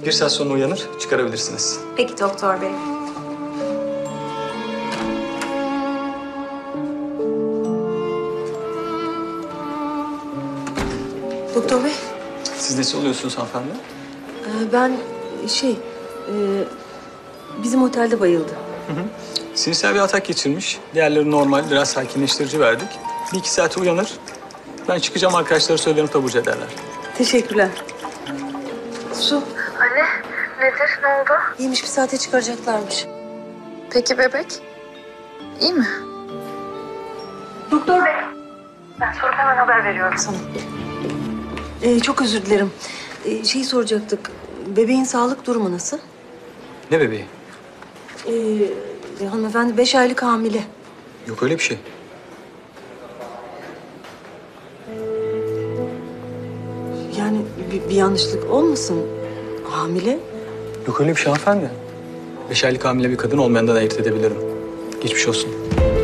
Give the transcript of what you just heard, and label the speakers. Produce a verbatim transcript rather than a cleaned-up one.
Speaker 1: Bir saat sonra uyanır, çıkarabilirsiniz.
Speaker 2: Peki doktor bey.
Speaker 3: Doktor bey,
Speaker 1: Siz nesi oluyorsunuz hanımefendi?
Speaker 3: e, ben şey, e, bizim otelde bayıldı.
Speaker 1: Sinirsel bir atak geçirmiş. Diğerleri normal, biraz sakinleştirici verdik. Bir iki saate uyanır. Ben çıkacağım, arkadaşlara söylerim, taburcu ederler.
Speaker 3: Teşekkürler. Su,
Speaker 4: Anne, nedir? Ne oldu?
Speaker 3: iyiymiş, bir saate çıkaracaklarmış.
Speaker 4: Peki bebek? İyi mi?
Speaker 3: Doktor bey.
Speaker 4: Ben sorup hemen haber veriyorum.
Speaker 3: Sana. E, çok özür dilerim. E, şeyi soracaktık, bebeğin sağlık durumu nasıl?
Speaker 1: Ne bebeği?
Speaker 3: E, hanımefendi beş aylık hamile.
Speaker 1: Yok öyle bir şey.
Speaker 3: Yani bir, bir yanlışlık olmasın? Hamile?
Speaker 1: Yok öyle bir şey hanımefendi. Beş aylık hamile bir kadın olmayandan ayırt edebilirim. Geçmiş olsun.